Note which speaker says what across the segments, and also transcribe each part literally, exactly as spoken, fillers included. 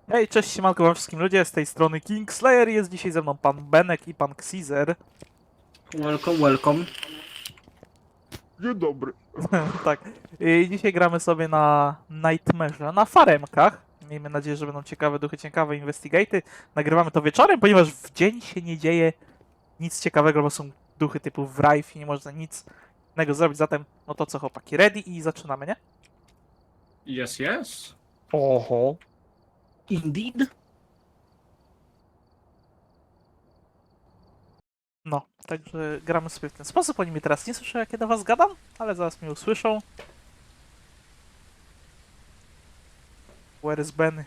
Speaker 1: Hej, cześć, siemanko wam wszystkim ludzie, z tej strony Kingslayer, jest dzisiaj ze mną pan Benek i pan Xizer.
Speaker 2: Welcome, welcome.
Speaker 3: Dzień dobry.
Speaker 1: Tak, i dzisiaj gramy sobie na Nightmare'ze, na faremkach. Miejmy nadzieję, że będą ciekawe duchy, ciekawe investigaty. Nagrywamy to wieczorem, ponieważ w dzień się nie dzieje nic ciekawego, bo są duchy typu Wraith i nie można nic innego zrobić. Zatem, no to co chłopaki, ready i zaczynamy, nie?
Speaker 2: Yes, yes.
Speaker 1: Oho.
Speaker 2: Indeed.
Speaker 1: No, także gramy sobie w ten sposób. Oni mnie teraz nie słyszą, jak ja do was gadam, ale zaraz mnie usłyszą. Where is Benny?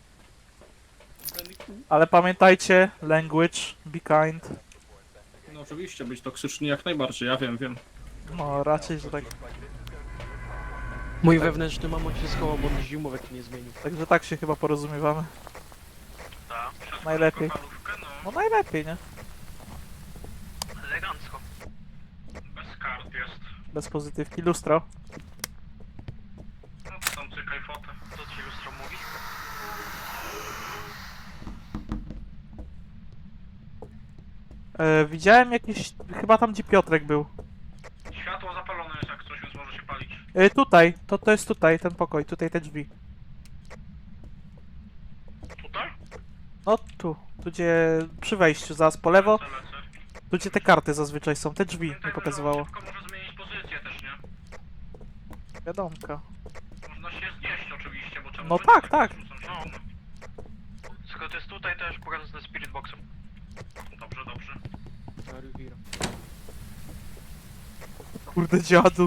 Speaker 1: Ale pamiętajcie, language, be kind.
Speaker 2: No oczywiście, być toksyczny jak najbardziej, ja wiem, wiem.
Speaker 1: No, raczej, że tak.
Speaker 4: Mój wewnętrzny mamon się schował, bo mi zimówek nie zmienił.
Speaker 1: Także tak się chyba porozumiewamy. Najlepiej. No najlepiej, nie?
Speaker 5: Elegancko. Bez kart jest.
Speaker 1: Bez pozytywki. Lustro.
Speaker 5: No to tam cykaj fotę. Co ci lustro mówi?
Speaker 1: E, widziałem jakieś... Chyba tam, gdzie Piotrek był.
Speaker 5: Światło zapalone jest jak coś, więc może się palić.
Speaker 1: E, tutaj. To, to jest tutaj, ten pokój. Tutaj te drzwi.
Speaker 5: Tutaj?
Speaker 1: No tu. Tu gdzie... Przy wejściu, zaraz po lewo.
Speaker 5: Lecę, lecę.
Speaker 1: Tu gdzie te karty zazwyczaj są. Te drzwi mi
Speaker 5: Pamiętaj, że
Speaker 1: pokazywało.
Speaker 5: szybko może zmienić pozycję też, nie?
Speaker 1: Wiadomka.
Speaker 5: Można się znieść oczywiście, bo czemu...
Speaker 1: No
Speaker 5: by
Speaker 1: tak,
Speaker 5: nie
Speaker 1: tak.
Speaker 5: rzucam się, no. Skoro to jest tutaj, to już pokażę ze spirit boxem. Dobrze, dobrze.
Speaker 1: Kurde dziadu.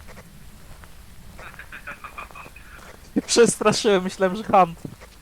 Speaker 1: Się przestraszyłem, myślałem, że Hunt.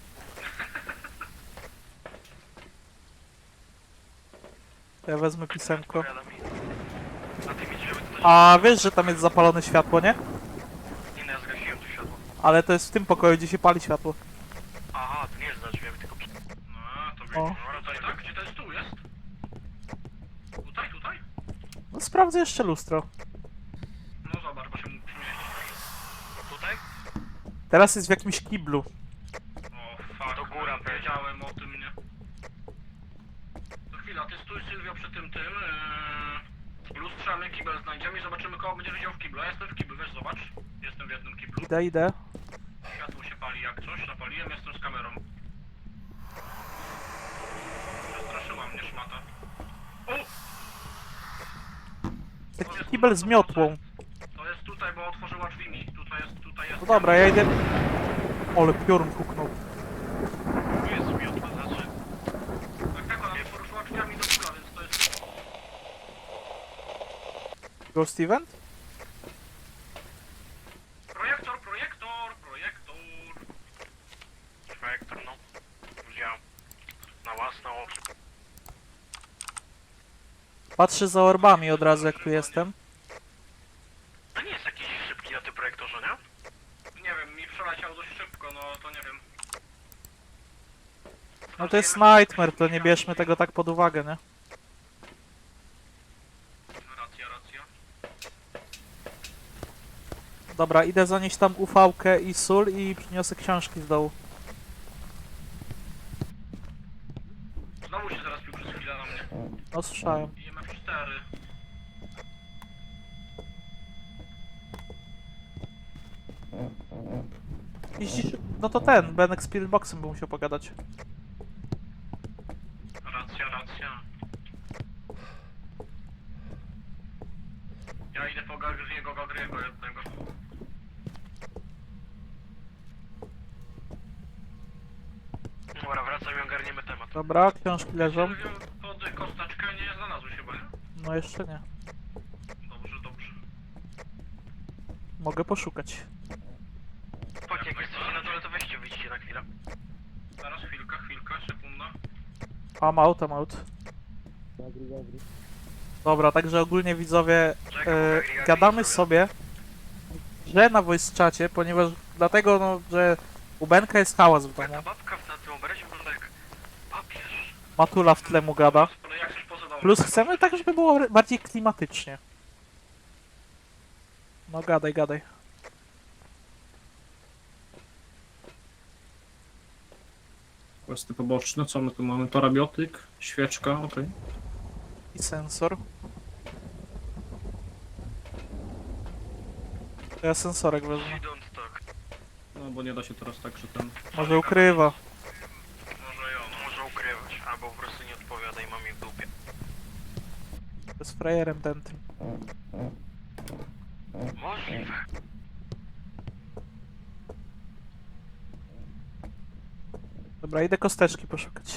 Speaker 1: Ja wezmę pisemko.
Speaker 5: Odpowiada mi. A ty widzisz, żeby to też...
Speaker 1: A wiesz, że tam jest zapalone światło, nie?
Speaker 5: Nie, no ja zgasiłem to światło.
Speaker 1: Ale to jest w tym pokoju, gdzie się pali światło.
Speaker 5: Aha, to nie jest za drzwiami, tylko... przy- No, to
Speaker 1: O.
Speaker 5: wiecie. No, tutaj, tak? Gdzie ten stół jest? Tutaj, tutaj?
Speaker 1: No sprawdzę jeszcze lustro.
Speaker 5: No zobacz, bo się mógł przymieścić. Tutaj?
Speaker 1: Teraz jest w jakimś kiblu.
Speaker 5: O, fuck, to góra, wiedziałem o tym, nie? To chwila, ty stój Sylwio przy tym, tym, yy... lustrzamy, kibel znajdziemy i zobaczymy, kogo będziesz widział w kiblu. Ja jestem w kiblu, wiesz, zobacz. Jestem w jednym kiblu.
Speaker 1: Idę, idę.
Speaker 5: Światło się pali jak coś, zapaliłem, jestem z kamerą. Przestraszyła mnie szmata. O!
Speaker 1: Taki kibel z miotłą.
Speaker 5: To jest tutaj, bo otworzyła drzwi mi. Tutaj jest, tutaj jest.
Speaker 1: No dobra, ja idę. Ole, piorun huknął.
Speaker 5: Tu jest miotła, znaczy... Tak, tak, ona poruszyła drzwiami do kibla, więc to jest...
Speaker 1: Ghost Event?
Speaker 5: Projektor, projektor, projektor. Projektor, no. Wziąłem. Na własne oczy.
Speaker 1: Patrzę za orbami od razu, jak tu jestem.
Speaker 5: To nie jest jakiś szybki na tym projektorze, nie? Nie wiem, mi przeleciał dość szybko, no to nie wiem.
Speaker 1: No to jest Nightmare, to nie bierzmy tego tak pod uwagę, nie?
Speaker 5: Racja, racja.
Speaker 1: Dobra, idę zanieść tam ufałkę i sól i przyniosę książki z dołu.
Speaker 5: Znowu się zaraz pił przez chwilę na mnie.
Speaker 1: No słyszałem.
Speaker 5: I M F cztery.
Speaker 1: Jeździsz... No to ten, Benek z Spiritboxem by musiał pogadać.
Speaker 5: Racja, racja. Ja idę po Gagriego, Gagriego jednego. Dobra, wracam i ogarniemy temat.
Speaker 1: Dobra, książki leżą.
Speaker 5: Sylwio, pod kosteczkę nie znalazłeś chyba, nie?
Speaker 1: No jeszcze nie.
Speaker 5: Dobrze, dobrze.
Speaker 1: Mogę poszukać.
Speaker 5: Chodź, jak jesteście na dole, to weźcie, wyjdźcie na chwilę. Zaraz, chwilka, chwilka, sekunda.
Speaker 1: Am out, am out. Dobra, także ogólnie widzowie, e, gadamy sobie, że na voice czacie, ponieważ dlatego, no, że u Benka jest hałas w
Speaker 5: Ta
Speaker 1: domu.
Speaker 5: babka na tym obrazie wygląda jak papież.
Speaker 1: Matula w tle mu gada.
Speaker 5: Ale jak coś poza domem.
Speaker 1: Plus chcemy tak, żeby było bardziej klimatycznie. No gadaj, gadaj.
Speaker 2: Questy poboczne, co my tu mamy? Parabiotyk, świeczka, okej.
Speaker 1: I sensor. To ja sensorek wezmę.
Speaker 5: Don't talk.
Speaker 2: No bo nie da się teraz tak, że ten...
Speaker 1: Może ukrywa.
Speaker 5: Może ją, może ukrywać, albo po prostu nie odpowiada i mam je w dupie.
Speaker 1: To jest frajerem ten tym.
Speaker 5: Możliwe.
Speaker 1: Dobra, idę kosteczki poszukać.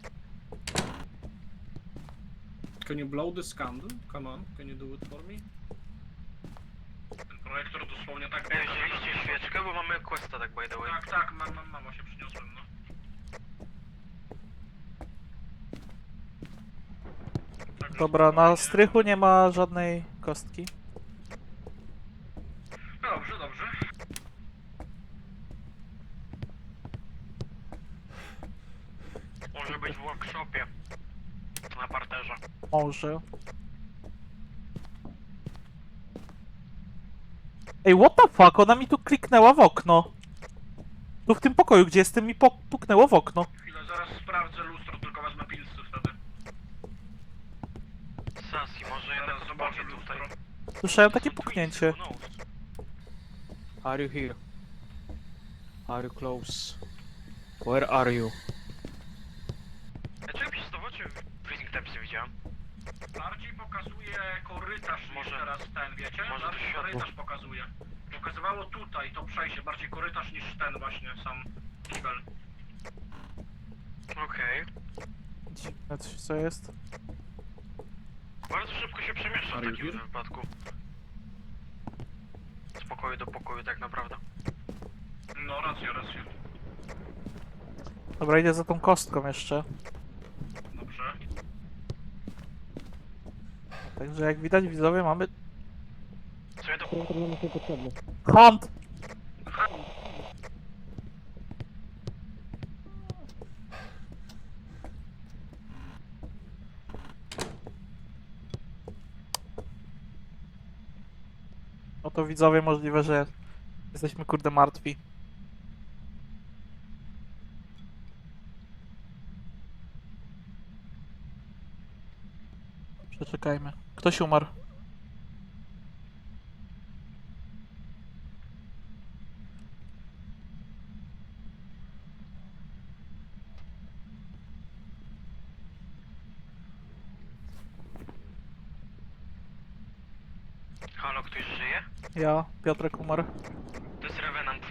Speaker 2: Can you blow this candle? Come on, can you do it for me?
Speaker 5: Ten projektor dosłownie tak... Wzięliście świeczkę, bo mamy questa tak by the way. Tak, tak, mam, mam, mam, się przyniosłem, no. Także
Speaker 1: Dobra, na
Speaker 5: spokojnie.
Speaker 1: strychu nie ma żadnej kostki.
Speaker 5: Dobrze, dobrze. Może być w workshopie. Na parterze.
Speaker 1: Może. Ej, what the fuck? Ona mi tu kliknęła w okno. Tu w tym pokoju, gdzie jestem, mi po- puknęło w okno.
Speaker 5: Chwilę, zaraz sprawdzę lustro, tylko wezmę pilsy wtedy. Sasi, może jednak zobaczę tutaj.
Speaker 1: Słyszałem takie puknięcie.
Speaker 4: Are you here? Are you close? Where are you?
Speaker 5: Ja czego przez to w oczy freezing tempsy widziałem? Bardziej pokazuje korytarz może niż teraz ten, wiecie?
Speaker 4: może
Speaker 5: Bardziej
Speaker 4: to światło.
Speaker 5: korytarz pokazuje. Pokazywało tutaj to przejście, bardziej korytarz niż ten właśnie sam kibel. Okej.
Speaker 1: Dziwne coś, co jest.
Speaker 5: Bardzo szybko się przemieszcza w
Speaker 2: Are you
Speaker 5: takim
Speaker 2: here?
Speaker 5: wypadku. Z pokoju do pokoju tak naprawdę. No racja, racja.
Speaker 1: Dobra, idę za tą kostką jeszcze.
Speaker 5: Dobrze.
Speaker 1: Także jak widać, widzowie, mamy...
Speaker 5: Co ja do...
Speaker 1: Hunt! No to widzowie, możliwe, że jesteśmy kurde martwi. Przeczekajmy. Ktoś umarł.
Speaker 5: Halo, ktoś żyje?
Speaker 1: Ja, Piotrek umarł.
Speaker 5: To jest Revenant.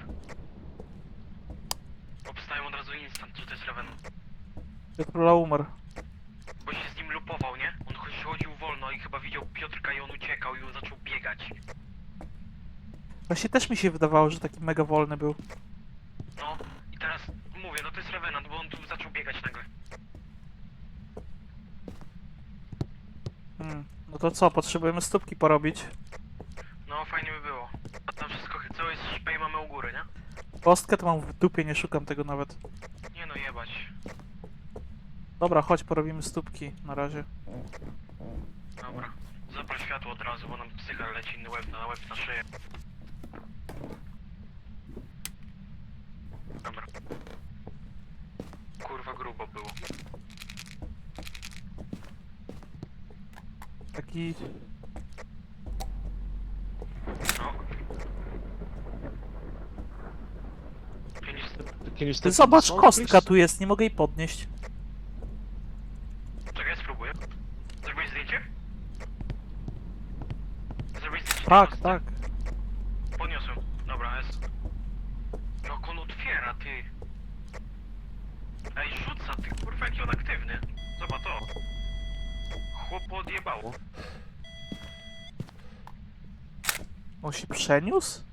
Speaker 5: Obstają od razu instant, że to jest Revenant.
Speaker 1: Piotrula umarł.
Speaker 5: Bo się z nim lupował, nie? On choć- chodził wolno i chyba widział Piotrka i on uciekał i on zaczął biegać.
Speaker 1: Właśnie też mi się wydawało, że taki mega wolny był.
Speaker 5: No i teraz mówię, no to jest Revenant, bo on tu zaczął biegać nagle.
Speaker 1: Hmm. No to co, potrzebujemy stópki porobić.
Speaker 5: No fajnie by było. A tam wszystko, cały szpej mamy u góry, nie?
Speaker 1: Kostkę to mam w dupie, nie szukam tego nawet.
Speaker 5: Nie no, jebać.
Speaker 1: Dobra, chodź, porobimy stópki na razie.
Speaker 5: Dobra. Zapal światło od razu, bo nam psycha leci na łeb na łeb na szyję. Dobra. Kurwa grubo było.
Speaker 1: Taki...
Speaker 5: No. Pięć...
Speaker 4: Can you
Speaker 1: Ty
Speaker 4: step
Speaker 1: zobacz,
Speaker 4: inside,
Speaker 1: kostka
Speaker 4: please?
Speaker 1: tu jest, nie mogę jej podnieść.
Speaker 5: Czekaj, spróbuję. Zrobiłeś zdjęcie? Zrobiłeś zdjęcie?
Speaker 1: Tak,
Speaker 5: Teraz?
Speaker 1: tak.
Speaker 5: Podniosłem. Dobra, jest. Jak on otwiera, ty. Ej, rzuca, ty kurwa, jaki on aktywny. Zobacz to. Chłopu odjebało.
Speaker 1: On się przeniósł?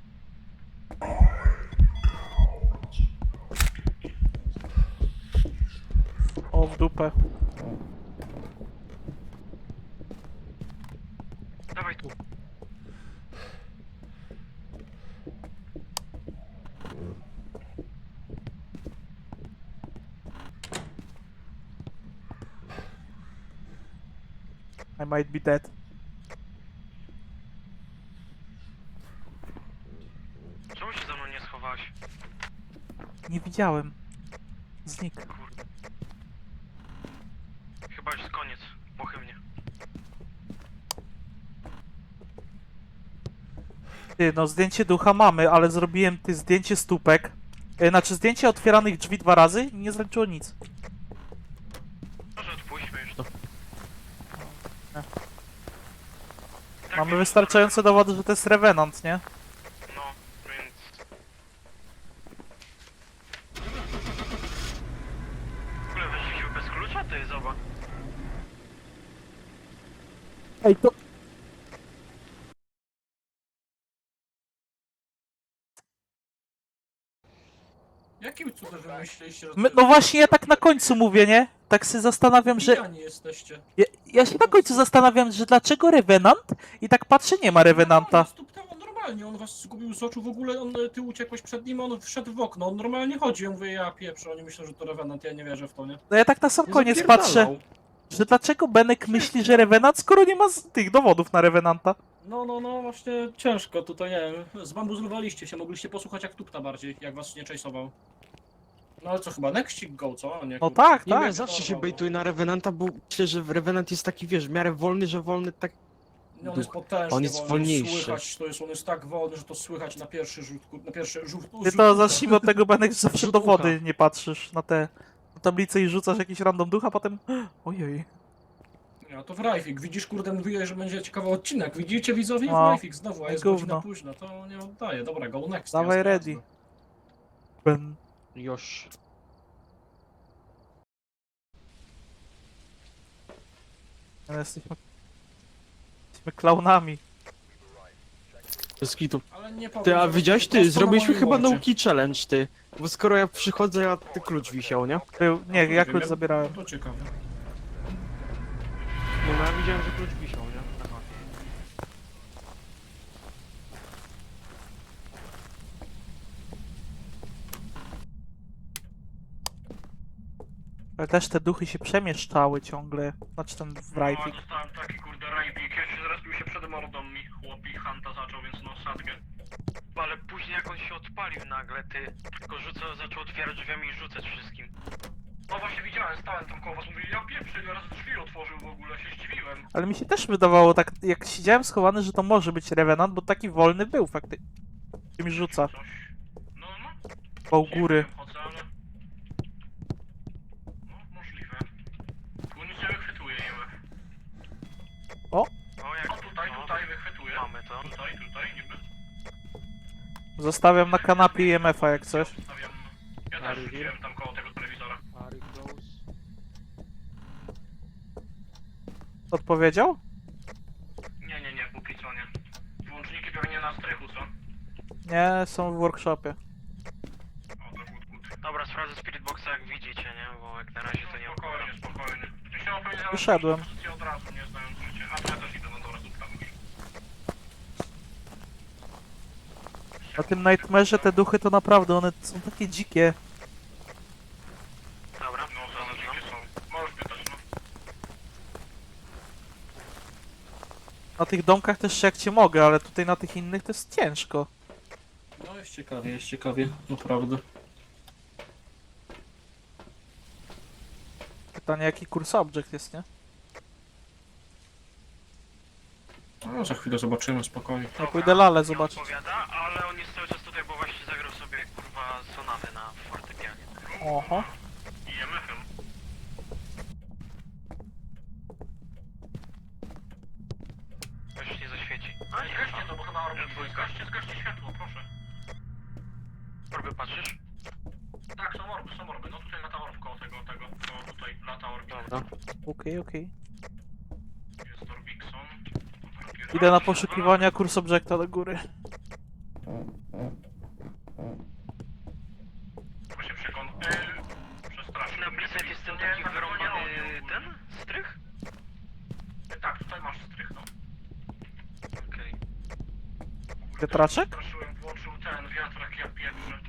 Speaker 1: O, w dupę.
Speaker 5: Dawaj tu.
Speaker 1: I might be dead.
Speaker 5: Czemu się za mną nie schowałaś?
Speaker 1: Nie widziałem. Znikł.
Speaker 4: Kurde. Chyba już jest koniec. Pochybnie.
Speaker 1: Ty, no zdjęcie ducha mamy, ale zrobiłem ty zdjęcie stópek. E, znaczy zdjęcie otwieranych drzwi dwa razy i nie zaliczyło nic.
Speaker 4: Może odpuśćmy już to.
Speaker 1: Mamy wystarczające dowody, że to jest Revenant, nie?
Speaker 4: No, więc... W ogóle weszliśmy bez klucza? To jest oba.
Speaker 1: Ej, to...
Speaker 2: Jakim cudem wy myśleliście, że
Speaker 1: My, no właśnie ja tak na końcu mówię, nie? Tak się zastanawiam, że...
Speaker 2: pijani jesteście?
Speaker 1: Ja, ja się na końcu zastanawiam, że dlaczego Revenant? I tak patrzę, nie ma Revenanta.
Speaker 2: No, on normalnie, on was zgubił z oczu, w ogóle on, ty uciekłeś przed nim, on wszedł w okno, on normalnie chodzi, ja mówię, ja pieprzę, oni myślą, że to Revenant, ja nie wierzę w to, nie?
Speaker 1: No ja tak na sam
Speaker 2: No
Speaker 1: koniec
Speaker 2: zapierdalał.
Speaker 1: patrzę, że dlaczego Benek myśli, że Revenant, skoro nie ma z tych dowodów na Revenanta.
Speaker 2: No, no, no, właśnie ciężko tutaj, nie wiem, zbambuzlowaliście się, mogliście posłuchać jak tupta bardziej, jak was nie chase'ował. No ale co, chyba nextik go, co? Nie,
Speaker 1: No
Speaker 2: kurwa.
Speaker 1: tak,
Speaker 4: Nie wiem,
Speaker 1: tak.
Speaker 4: ja zawsze się bejtuję na Revenanta, bo myślę, że Revenant jest taki, wiesz, w miarę wolny, że wolny tak...
Speaker 2: Nie, on jest potężny,
Speaker 4: On jest
Speaker 2: wolny,
Speaker 4: wolniejszy.
Speaker 2: Słychać, to jest, on jest tak wolny, że to słychać na pierwszy rzut, kur- na pierwszy rzut.
Speaker 1: Ty
Speaker 2: rzut
Speaker 1: to zacznijmy od tego, Benek, że zawsze
Speaker 4: Rzut
Speaker 1: dowody
Speaker 4: ucha.
Speaker 1: nie patrzysz na te na tablicę i rzucasz jakiś random duch, a potem... Ojej.
Speaker 2: Nie, to w Rajfik, widzisz, kurde, mówiłeś, że będzie ciekawy odcinek, widzicie widzowie? W
Speaker 1: No,
Speaker 2: Rajfik znowu, a jest
Speaker 1: gówno.
Speaker 2: godzina późna, to nie oddaję, dobra, go next.
Speaker 1: Dawaj
Speaker 2: jasne,
Speaker 1: ready.
Speaker 2: jasne.
Speaker 1: Ben...
Speaker 4: Już.
Speaker 1: Ale Jesteśmy... Jesteśmy klaunami.
Speaker 4: Bez kitu.
Speaker 2: Ale nie powiem,
Speaker 4: Ty, a
Speaker 2: że
Speaker 4: widziałeś,
Speaker 2: po prostu
Speaker 4: ty,
Speaker 2: na
Speaker 4: zrobiliśmy
Speaker 2: moim
Speaker 4: chyba
Speaker 2: łącie.
Speaker 4: nauki challenge, ty. Bo skoro ja przychodzę, a ty klucz wisiał, nie?
Speaker 1: Był... Nie,
Speaker 2: No,
Speaker 1: ja
Speaker 2: to
Speaker 1: klucz
Speaker 2: wiem,
Speaker 1: zabierałem.
Speaker 2: No to ciekawe.
Speaker 4: No, no ja widziałem, że klucz wisiał, nie? Aha.
Speaker 1: Ale też te duchy się przemieszczały ciągle. Znaczy ten w
Speaker 5: No,
Speaker 1: Rajfik.
Speaker 5: dostałem taki kurde rajpik, ja się zaraz się przed mordą mi chłopi Hanta zaczął, więc no sadgę.
Speaker 4: Ale później jak on się odpalił nagle, ty, tylko rzucał, zaczął otwierać drzwiami i rzucać wszystkim.
Speaker 5: No właśnie widziałem, stałem tam koło was, mówili, ja pieprzę, ile razy drzwi otworzył w ogóle, się zdziwiłem.
Speaker 1: Ale mi się też wydawało tak, jak siedziałem schowany, że to może być Revenant, bo taki wolny był faktycznie. Mi rzuca.
Speaker 5: Coś. No, no.
Speaker 1: Po
Speaker 5: Nie
Speaker 1: góry.
Speaker 5: wiem, chodzę, ale... No, możliwe. Tu nic nie wychwytuje, Jełek.
Speaker 4: O, jak...
Speaker 5: O, tutaj,
Speaker 4: no,
Speaker 5: tutaj wychwytuje.
Speaker 4: Mamy to.
Speaker 5: Tutaj, tutaj, niby.
Speaker 1: Zostawiam na kanapie I M F-a jak coś.
Speaker 5: Stawiam... Ja też
Speaker 4: Harry
Speaker 5: rzuciłem tam koło tego telewizora.
Speaker 4: Harry close.
Speaker 1: Odpowiedział?
Speaker 5: Nie, nie, nie, póki co nie. Włączniki pewnie na strychu, co?
Speaker 1: Nie, są w workshopie.
Speaker 5: O, to good, good.
Speaker 4: Dobra, sprawdzę Spirit Boxa jak widzicie, nie? Bo jak na razie to nie
Speaker 5: Spokojnie, spokojnie. Ja się opowiedziałem
Speaker 1: Wyszedłem.
Speaker 5: pozycję od razu, nie znając życia. A to ja też idę, no dobra, zrób tam już.
Speaker 1: Na tym Nightmare'ze te duchy to naprawdę, one są takie dzikie.
Speaker 4: Dobra,
Speaker 5: No, to dzikie są. Możesz pytać, no.
Speaker 1: Na tych domkach też jak cię mogę, ale tutaj na tych innych to jest ciężko.
Speaker 2: No jest ciekawie, jest ciekawie, naprawdę.
Speaker 1: Pytanie jaki kurs object jest, nie?
Speaker 2: No, za chwilę zobaczymy, spokojnie.
Speaker 1: Ja pójdę lalę
Speaker 4: nie
Speaker 1: zobaczyć.
Speaker 4: odpowiada, ale on jest cały czas tutaj, bo właśnie zagrał sobie kurwa sonatę na fortepianie.
Speaker 1: Oho.
Speaker 5: I M F-em.
Speaker 4: Już nie zaświeci.
Speaker 5: A nie, zgaście to, bo chyba orby twój. Zgaście, zgaście światło, proszę.
Speaker 4: Orby patrzysz?
Speaker 5: Tak, są orby, są orby. No tutaj lata orb koło tego, tego. No tutaj lata orb.
Speaker 4: Dobra.
Speaker 1: Okej, okej.
Speaker 5: Jest Orbixon.
Speaker 1: Idę na poszukiwania kurs objecta do góry.
Speaker 5: Bo się przekon... Yy, przestraszył.
Speaker 4: Na Blizzard jest ten
Speaker 5: Nie,
Speaker 4: taki
Speaker 5: na pewno nie
Speaker 4: wyrąbany
Speaker 5: robił ogólnie.
Speaker 4: ten strych?
Speaker 5: Tak, tutaj masz strych, no.
Speaker 4: Okej.
Speaker 1: Wiatraczek?
Speaker 5: Przestraszyłem, włączył ten wiatrak, ja pieprzę.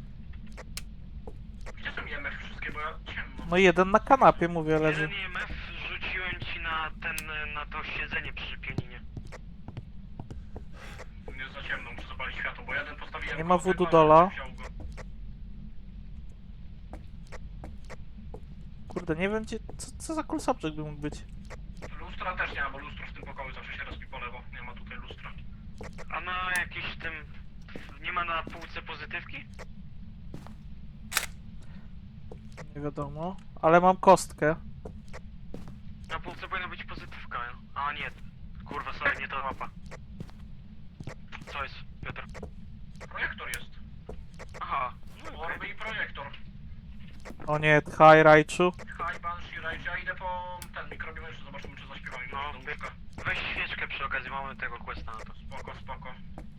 Speaker 5: Gdzie są I M F wszystkie, bo ja ciemno.
Speaker 1: No jeden na kanapie, mówię, leży.
Speaker 4: Jeden I M F rzuciłem ci na ten, na to siedzenie przy pianinie.
Speaker 5: Nie za ciemno, muszę zapalić światło, bo jeden postawiłem...
Speaker 1: Nie ma
Speaker 5: koło
Speaker 1: voodoo
Speaker 5: tego,
Speaker 1: dolla.
Speaker 5: wziął go.
Speaker 1: Kurde, nie wiem gdzie, co, co za cool subject by mógł być.
Speaker 5: Lustra też nie ma, bo lustro w tym pokoju zawsze się rozbi po lewo. Nie ma tutaj lustra.
Speaker 4: A na jakimś tym... Nie ma na półce pozytywki?
Speaker 1: Nie wiadomo, ale mam kostkę.
Speaker 4: Na półce powinna być pozytywka. A nie. Kurwa, sorry, nie to mapa. Co jest, Piotr?
Speaker 5: Projektor jest.
Speaker 4: Aha. No, okej.
Speaker 5: Orby i projektor.
Speaker 1: O nie, Hi Raichu.
Speaker 5: Hi, Banshee, Rage. Ja idę po ten mikrobiem jeszcze, zobaczymy czy zaśpiewamy
Speaker 4: No,
Speaker 5: no, do łóżka.
Speaker 4: Weź świeczkę przy okazji, mamy tego questa na to.
Speaker 5: Spoko, spoko.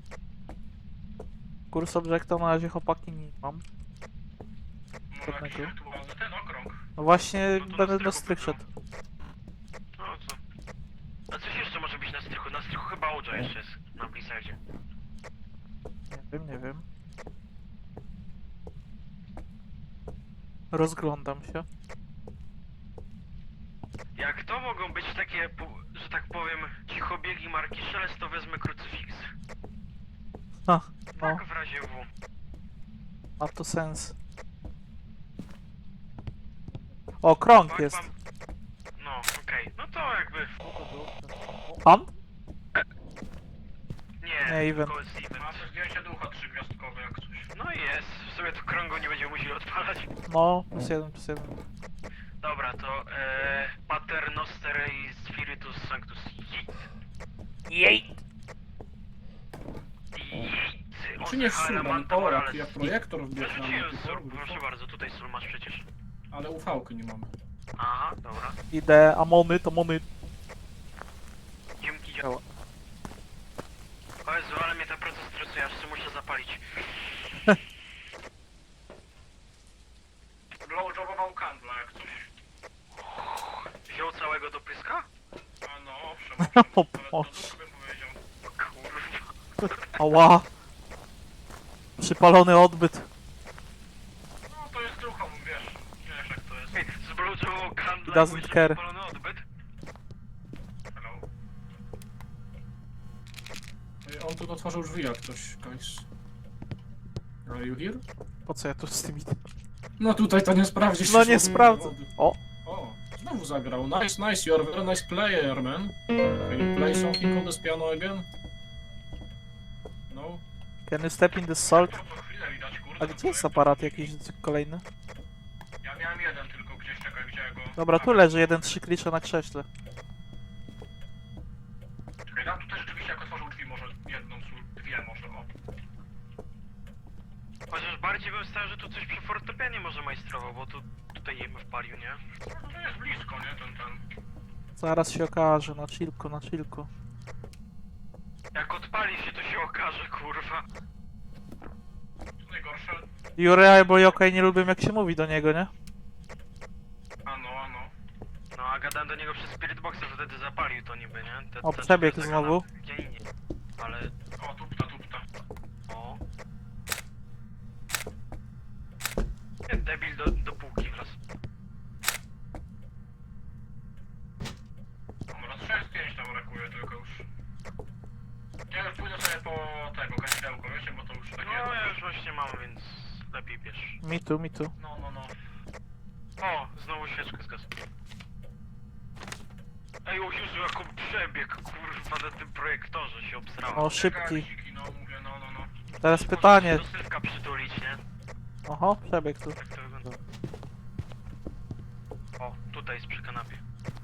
Speaker 1: Cool subjecta na razie chłopaki nie mam.
Speaker 5: Może jakiś
Speaker 1: Żadnego.
Speaker 5: wirtualny ten okrąg.
Speaker 1: No właśnie,
Speaker 4: No to na
Speaker 1: będę do
Speaker 4: strychu
Speaker 1: strych
Speaker 4: wybrał.
Speaker 1: szedł.
Speaker 4: No co? A coś jeszcze może być na strychu? Na strychu chyba Oja jeszcze jest, na Blizzardzie.
Speaker 1: Nie wiem, nie wiem. Rozglądam się.
Speaker 4: Jak to mogą być takie, pu- że tak powiem, cichobiegi marki Szelest, to wezmę krucyfiks.
Speaker 1: Ha, no,
Speaker 4: Tak w razie W.
Speaker 1: ma to sens. O, krąg
Speaker 4: Tak,
Speaker 1: jest.
Speaker 4: mam- No, okej. No to jakby...
Speaker 1: Pan?
Speaker 4: Nie,
Speaker 1: Nie, event.
Speaker 4: tylko jest event.
Speaker 5: Ma też zdjęcie ducha trzygwiazdkowe jak coś.
Speaker 4: No i jest. W sumie to krągu nie będziemy musieli odpalać.
Speaker 1: No, plus jeden, plus jeden.
Speaker 4: Dobra, to e, Pater Noster i Spiritus Sanctus. Jej! Jej!
Speaker 5: Czy nie Suman? O, jak, jak projektor wbierz na
Speaker 4: Wyrzuciłem
Speaker 5: mnie.
Speaker 4: sól, proszę bardzo, tutaj sól masz przecież.
Speaker 5: Ale U V-ky nie mamy.
Speaker 4: Aha, dobra.
Speaker 1: Idę, amony, to mony.
Speaker 4: Dzięki, działa. O Jezu, ale mnie ten proces stresuje, aż się muszę zapalić.
Speaker 5: Blowjobował kandla jak coś.
Speaker 4: Wziął całego do pyska?
Speaker 5: A no, owszem, owszem.
Speaker 1: O
Speaker 5: Nawet do
Speaker 1: Boże.
Speaker 5: ducha bym powiedział.
Speaker 4: Kurwa.
Speaker 1: Ała. Przypalony odbyt.
Speaker 5: No to jest duchom, wiesz. Wiesz jak to jest.
Speaker 4: Zbluczował kandla
Speaker 1: He doesn't
Speaker 4: i
Speaker 1: care.
Speaker 4: wypalony odbyt?
Speaker 5: Hello. Ej, On tu otworzył drzwi jak ktoś, guys. Are you here?
Speaker 1: Po co ja tu z tymi...
Speaker 5: No tutaj to nie sprawdzisz.
Speaker 1: No
Speaker 5: już
Speaker 1: nie
Speaker 5: od-
Speaker 1: sprawdzę.
Speaker 5: od-
Speaker 1: O,
Speaker 5: O, znowu zagrał. Nice, nice, you're a very nice player, man. Can you play something on this piano again? No.
Speaker 1: can you step in the salt?
Speaker 5: To co chwilę widać, kurde.
Speaker 1: A gdzie jest aparat jakiś kolejny?
Speaker 5: Ja miałem jeden tylko gdzieś, czekaj, gdzie go...
Speaker 1: Dobra, tu leży jeden trzy klisze na krześle.
Speaker 5: Czekaj, tam tutaj rzeczywiście jak otworzył drzwi, może jedną, su- dwie może, o.
Speaker 4: Chociaż bardziej bym stał, że tu coś przy fortepianie może majstrował, bo tu tutaj jemy wpalił, nie?
Speaker 5: No to jest blisko, nie, ten, ten.
Speaker 1: Zaraz się okaże, na chillku, na chillku.
Speaker 4: Jak odpali się, to się okaże, kurwa.
Speaker 5: Co najgorsze...
Speaker 1: Jurea, bo Yokai nie lubię jak się mówi do niego, nie?
Speaker 5: Ano, ano.
Speaker 4: No a gadałem do niego przez Spirit Boxa, że wtedy zapalił to niby, nie? Te,
Speaker 1: O,
Speaker 4: te-
Speaker 1: przebieg
Speaker 4: te-
Speaker 1: znowu.
Speaker 4: Gdzie indziej. Ale...
Speaker 5: O, tupta, tupta.
Speaker 4: O... Nie, debil do, do półki wraz.
Speaker 5: Dobra, trzech zdjęć tam brakuje tylko już. Ja już pójdę sobie po tego kadzidełko, wiecie, bo to już takie...
Speaker 4: No ja już właśnie mam, więc lepiej bierz.
Speaker 1: Mi tu, mi tu.
Speaker 5: No, no, no.
Speaker 4: O, znowu świeczkę zgasł. Ej, o Jezu, jaką przebieg, kurwa, na tym projektorze się obsrałem.
Speaker 1: O, szybki.
Speaker 5: Garsiki, no mówię, no, no, no.
Speaker 1: Teraz pytanie.
Speaker 4: Do sylwka przytulić, nie?
Speaker 1: Oho, przebieg tu.
Speaker 4: Jak to wygląda? O, tutaj jest przy kanapie.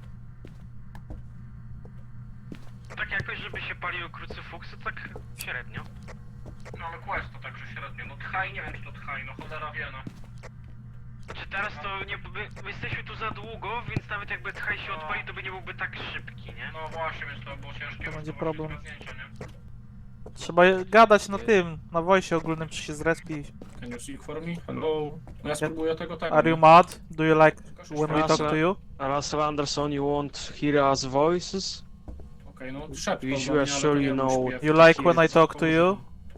Speaker 4: No tak jakoś, żeby się paliły krucyfuksy, tak średnio.
Speaker 5: No ale quest to także średnio. No tchaj, nie wiem czy to tchaj, no cholera wie, no.
Speaker 4: Znaczy teraz to nie... My, my jesteśmy tu za długo, więc nawet jakby tchaj się odpali, to by nie byłby tak szybki, nie?
Speaker 5: No właśnie, więc to było ciężkie.
Speaker 1: To
Speaker 5: już
Speaker 1: będzie
Speaker 5: właśnie
Speaker 1: problem.
Speaker 5: zgadnięcie, nie?
Speaker 1: Trzeba gadać na tym, na voice ogólnym, czy się zrespi.
Speaker 5: Can you speak for me? Hello? No ja spróbuję tego tak.
Speaker 1: Are you mad? Do you like when we talk to you?
Speaker 6: Russell Anderson, you won't hear us voices?
Speaker 5: Okej, no szeptał
Speaker 6: You
Speaker 5: do
Speaker 6: sure
Speaker 5: mnie, ale to
Speaker 6: sure
Speaker 5: nie
Speaker 6: you
Speaker 5: był
Speaker 6: know-
Speaker 5: śpiew.
Speaker 1: You like when I talk to you?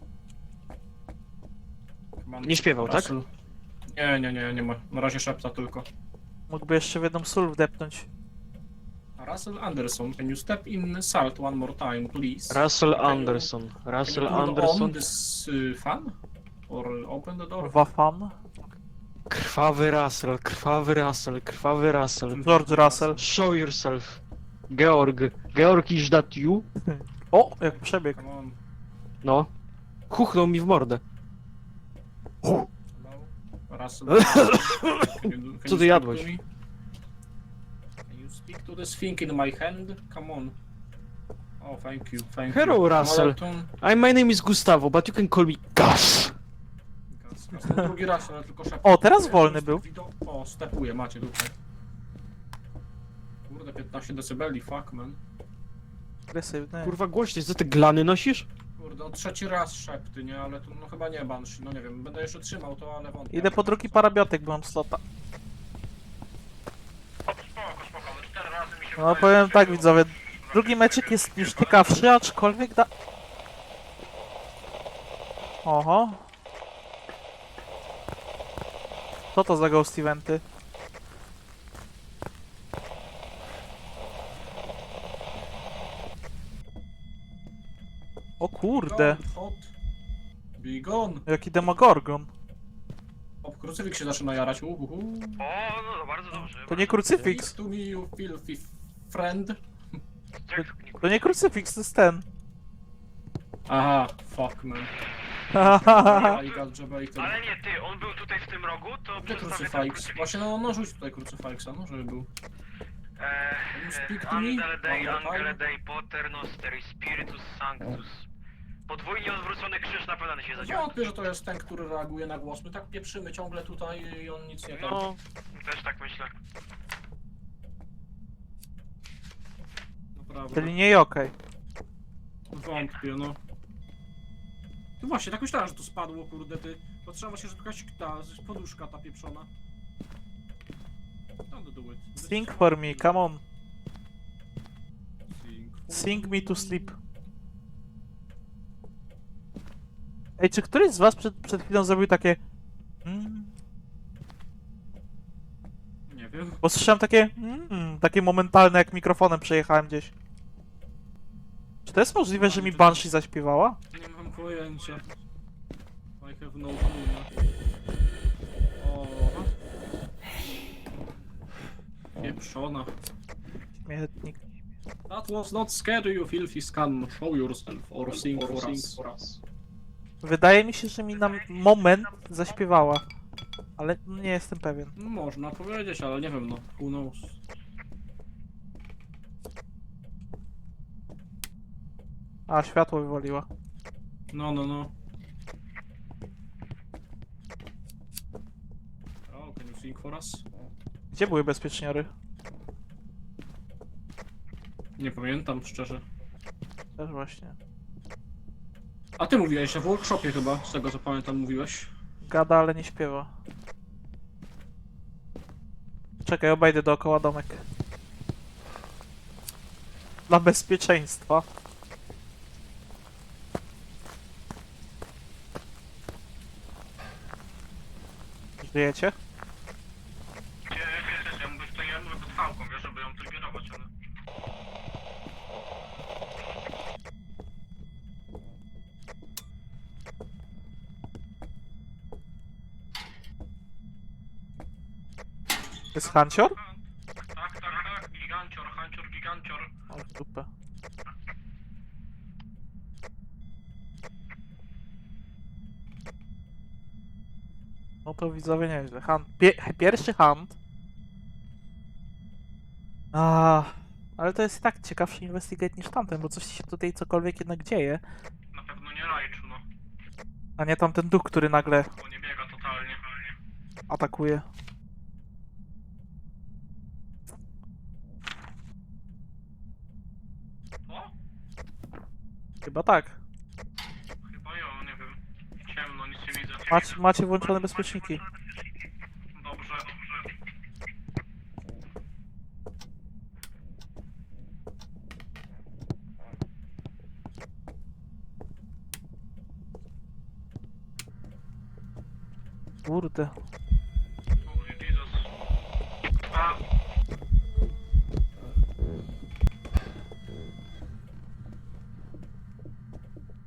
Speaker 5: Chyba
Speaker 6: Nie śpiewał, tak?
Speaker 5: Russell. Nie, nie, nie, nie ma. Na razie szepta tylko.
Speaker 1: Mógłby jeszcze w jedną sól wdepnąć.
Speaker 5: Russell Anderson, can you step in salt one more time, please?
Speaker 6: Russell
Speaker 5: Can you-
Speaker 6: Anderson.
Speaker 5: Can
Speaker 6: Russell
Speaker 5: you turn on
Speaker 6: Anderson.
Speaker 5: this uh, fan? Or open the door?
Speaker 1: Wafan.
Speaker 6: Krwawy Russell, krwawy Russell, krwawy Russell.
Speaker 1: George Russell.
Speaker 6: Show yourself. Georg. Georg, is that you?
Speaker 1: O, jak przebieg.
Speaker 2: Come on.
Speaker 6: No. Chuchnął mi w mordę.
Speaker 2: Hello? Russell. Can you do- can
Speaker 6: Co
Speaker 2: you
Speaker 6: ty
Speaker 2: speak
Speaker 6: jadłeś?
Speaker 2: to me? Can you speak to this thing in my hand? Come on. Oh, thank you, thank
Speaker 6: Hello,
Speaker 2: you.
Speaker 6: Russell.
Speaker 2: Maraton.
Speaker 6: I, my name is Gustavo, but you can call me Gus.
Speaker 2: Gaz, gaz. No, drugi raz, ale tylko szepnę.
Speaker 1: O, teraz wolny był.
Speaker 2: O, stepuje, macie tutaj. Kurde, piętnaście decybeli, fuck man.
Speaker 1: Agresywny.
Speaker 6: Kurwa głośniej, co ty glany nosisz?
Speaker 2: Kurde, no trzeci raz szepty, nie? Ale to no chyba nie Banshee, no nie wiem, będę jeszcze trzymał to, ale wątpię.
Speaker 1: Idę po drugi parabiotyk, bo mam slota.
Speaker 5: Spoko, spoko, ale cztery razy mi się
Speaker 1: No
Speaker 5: wydaje,
Speaker 1: powiem
Speaker 5: że
Speaker 1: tak,
Speaker 5: był-
Speaker 1: widzowie. Drugi meczyk jest już ciekawszy, aczkolwiek da... Oho. Co to za ghost eventy? O kurde,
Speaker 2: Gone, hot. Be gone.
Speaker 1: jaki demogorgon.
Speaker 2: O, krucyfik się zaczyna jarać, uhuhu.
Speaker 4: O, no, no bardzo dobrze.
Speaker 1: To nie krucyfiks,
Speaker 2: Speak to me, you filthy friend.
Speaker 4: Jak to nie-
Speaker 1: to nie krucyfiks, to jest ten.
Speaker 2: Aha, fuck man. I got jebaited.
Speaker 4: Ale nie, ty, on był tutaj w tym rogu, to
Speaker 2: Gdzie
Speaker 4: przedstawię ten
Speaker 2: krucyfiks?
Speaker 4: krucyfiks.
Speaker 2: Właśnie no, no rzuć tutaj krucyfiksa, no żeby był.
Speaker 4: Eee,
Speaker 2: Speak
Speaker 4: e,
Speaker 2: to me?
Speaker 4: Angele Dei,
Speaker 2: Dobra,
Speaker 4: Angele
Speaker 2: fajnie.
Speaker 4: Dei Poter Nosteri Spiritus Sanctus. Podwójnie odwrócony krzyż na pewno się zadziała.
Speaker 2: Wątpię, że to jest ten, który reaguje na głos. My tak pieprzymy ciągle tutaj i on nic nie tam.
Speaker 4: No, też tak myślę.
Speaker 2: Naprawdę.
Speaker 1: Czyli nie okej.
Speaker 2: Wątpię, no. No właśnie, tak myślałem, że to spadło, kurde, ty. Patrzyłem właśnie, że to jakaś ta poduszka ta pieprzona. Don't do it.
Speaker 1: Sing for me, come on.
Speaker 2: Sing for
Speaker 1: Sing me to sleep. Ej, czy któryś z was przed, przed chwilą zrobił takie... Mm,
Speaker 2: Nie wiem.
Speaker 1: bo słyszałem takie... Mm, takie momentalne, jak mikrofonem przejechałem gdzieś. Czy to jest możliwe, że mi Banshee zaśpiewała?
Speaker 2: Nie mam pojęcia. I have no clue. O. Pieprzona.
Speaker 1: Śmietnik.
Speaker 2: That was not scary, you filthy scum. Show yourself or sing for us.
Speaker 1: Wydaje mi się, że mi na moment zaśpiewała. Ale nie jestem pewien.
Speaker 2: No, można powiedzieć, ale nie wiem, no. Who knows?
Speaker 1: A, światło wywaliła.
Speaker 2: No, no, no. Oh, can you sing for us?
Speaker 1: Gdzie były bezpieczniory?
Speaker 2: Nie pamiętam, szczerze.
Speaker 1: Też właśnie.
Speaker 2: A ty mówiłeś, że w workshopie chyba, z tego co pamiętam, mówiłeś.
Speaker 1: Gada, ale nie śpiewa. Czekaj, obejdę dookoła domek. Dla bezpieczeństwa. Żyjecie?
Speaker 5: Nie, wiesz, wiesz, ja mówię, to ja mówię pod fałką, wiesz, żeby ją triggerować, ale...
Speaker 1: To jest hancior?
Speaker 5: Tak, tak, tak, gigancior, hancior, gigancior.
Speaker 1: O, w dupę. No to widzowie nieźle. Hunt. Pie pierwszy hunt. A, ale to jest i tak ciekawszy investigate niż tamten, bo coś się tutaj cokolwiek jednak dzieje.
Speaker 5: Na pewno nie Raichu, no,
Speaker 1: A nie tamten duch, który nagle
Speaker 5: bo nie biega totalnie.
Speaker 1: atakuje.
Speaker 5: O?
Speaker 1: Chyba tak.
Speaker 5: Chyba jo, nie wiem. Ciemno, nic nie widzę.
Speaker 1: Macie, macie włączone bezpieczniki.
Speaker 5: Dobrze, dobrze.
Speaker 1: Kurde.
Speaker 5: Holy Jesus. A,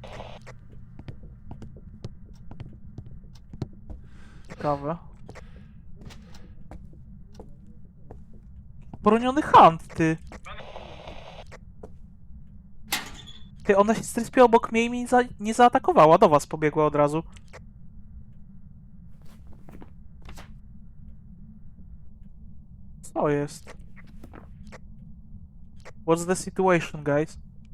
Speaker 1: Ciekawe. Broniony hand, ty. Ty, ona się zrespiła obok mnie i mnie za nie zaatakowała. Do was pobiegła od razu. Co jest? What's the situation, guys?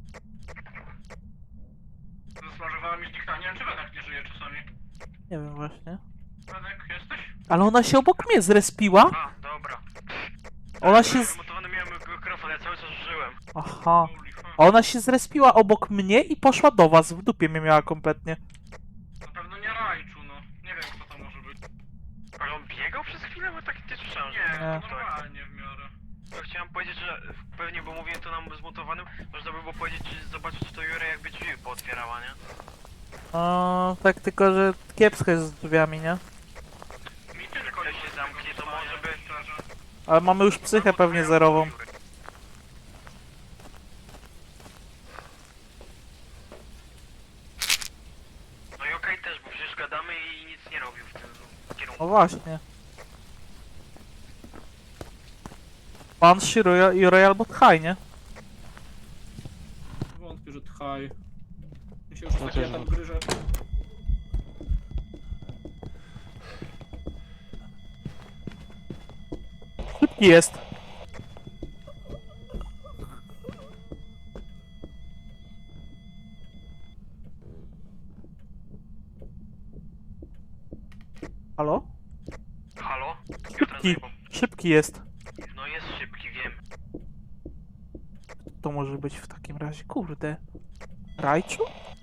Speaker 5: Zasmażowała mi zniknęła. Nie wiem, czy Wenek nie żyje czasami.
Speaker 1: Nie wiem właśnie.
Speaker 5: Wenek, jesteś?
Speaker 1: Ale ona się obok mnie zrespiła?
Speaker 4: A, dobra.
Speaker 1: Ona się z...
Speaker 4: Wymotowany miałem mikrofon, ja cały czas żyłem.
Speaker 1: Aha.
Speaker 5: Holy fuck.
Speaker 1: A ona się zrespiła obok mnie i poszła do was. W dupie mnie miała kompletnie.
Speaker 5: Na pewno nie Rajczu, no. Nie wiem, kto to może być.
Speaker 4: Ale on biegał przez chwilę, bo tak nie słyszałem, że...
Speaker 5: Nie,
Speaker 1: Nie.
Speaker 5: to normalnie w miarę.
Speaker 4: Ja chciałem powiedzieć, że pewnie, bo mówiłem to nam zmutowanym, można by było powiedzieć, czy zobaczyć, czy to Jure jakby drzwi pootwierała, nie?
Speaker 1: O, tak tylko, że kiepsko jest z drzwiami, nie?
Speaker 5: Mi tylko
Speaker 4: Jak się zamknie, to może by...
Speaker 5: szczerze.
Speaker 1: Ale mamy już psychę pewnie zerową.
Speaker 4: No i okej też, bo przecież gadamy i nic nie robił w tym kierunku.
Speaker 1: No właśnie. Banshee, Royal, i Royal albo Tchaj, nie?
Speaker 2: Wątpię, że tchaj. Mi się już
Speaker 6: No
Speaker 2: takie
Speaker 6: też
Speaker 2: tam
Speaker 6: wątpię.
Speaker 2: gryże.
Speaker 1: Szybki jest. Halo?
Speaker 4: Halo?
Speaker 1: Szybki. Szybki jest.
Speaker 4: No jest szybki, wiem.
Speaker 1: To może być w takim razie, kurde. Rajczu?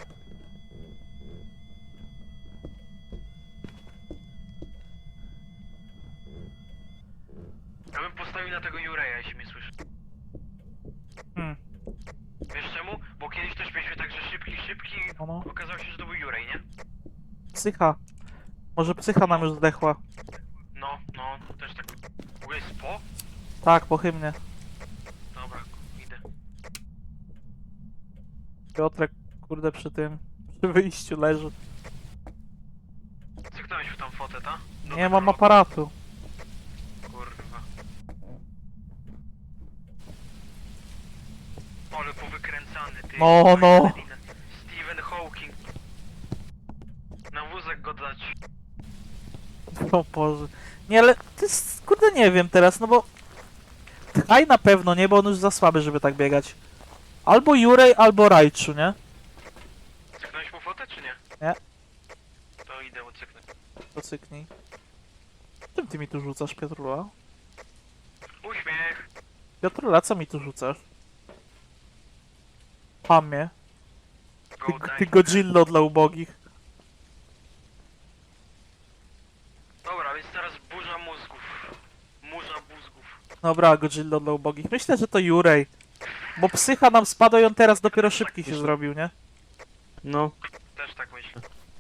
Speaker 4: Ja bym postawił na tego Jureja, jeśli mnie słyszy.
Speaker 1: Hmm.
Speaker 4: Wiesz czemu? Bo kiedyś też mieliśmy tak, że szybki, szybki,
Speaker 1: No, no.
Speaker 4: okazało się, że to był Jurej, nie?
Speaker 1: Psycha. Może psycha nam już zdechła.
Speaker 4: No, no, też tak. W ogóle jest po?
Speaker 1: Tak, pochybnie.
Speaker 4: Dobra, idę.
Speaker 1: Piotrek, kurde, przy tym, przy wyjściu leży.
Speaker 4: Cyknąłeś w tą fotę, ta? Do
Speaker 1: Nie
Speaker 4: tego
Speaker 1: mam
Speaker 4: lotu.
Speaker 1: aparatu.
Speaker 4: Kurwa. Ale powykręcany, ty.
Speaker 1: No, no.
Speaker 4: Stephen Hawking. Na wózek go dać.
Speaker 1: O Boże. Nie, ale to jest, kurde, nie wiem teraz, no bo... Tchaj na pewno nie, bo on już za słaby, żeby tak biegać. Albo Jurej, albo Rajczu, nie?
Speaker 4: Cyknąłeś mu fotę, czy nie?
Speaker 1: Nie.
Speaker 4: To idę ucyknąć.
Speaker 1: Pocyknij. Czym ty mi tu rzucasz, Piotrula?
Speaker 4: Uśmiech.
Speaker 1: Piotrula, co mi tu rzucasz? Pamie. Ty,
Speaker 4: Go
Speaker 1: ty
Speaker 4: die.
Speaker 1: Godzillo dla ubogich.
Speaker 4: Dobra, więc teraz burza mózgów. Murza mózgów.
Speaker 1: Dobra, Godzillo dla ubogich. Myślę, że to Jurej. Bo psycha nam spadła i on teraz dopiero szybki się zrobił, nie?
Speaker 6: No.
Speaker 4: Też tak myślę.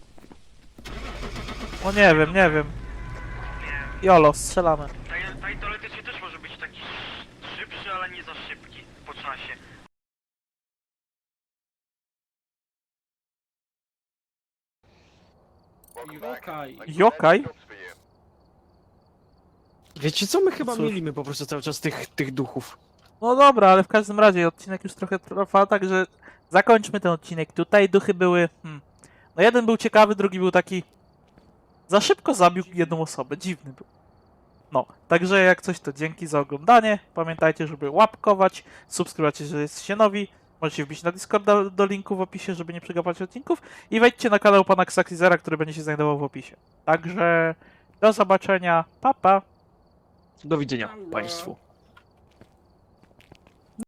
Speaker 1: No nie wiem, nie wiem.
Speaker 4: Nie.
Speaker 1: Jolo, strzelamy.
Speaker 4: Taj- taj teoretycznie też może być taki sz- szybszy, ale nie za szybki po czasie.
Speaker 2: Jokaj.
Speaker 1: Jokaj?
Speaker 6: Wiecie co, my chyba
Speaker 1: Cóż.
Speaker 6: mielimy po prostu cały czas tych, tych duchów.
Speaker 1: No dobra, ale w każdym razie odcinek już trochę trwa, także zakończmy ten odcinek tutaj. Duchy były... Hmm. No jeden był ciekawy, drugi był taki... Za szybko zabił jedną osobę, dziwny był. No, także jak coś to dzięki za oglądanie. Pamiętajcie, żeby łapkować, subskrybować, jeżeli jesteście nowi. Możecie wbić na Discorda do linku w opisie, żeby nie przegapiać odcinków. I wejdźcie na kanał pana Xaxizera, który będzie się znajdował w opisie. Także do zobaczenia, pa pa!
Speaker 6: Do widzenia Państwu.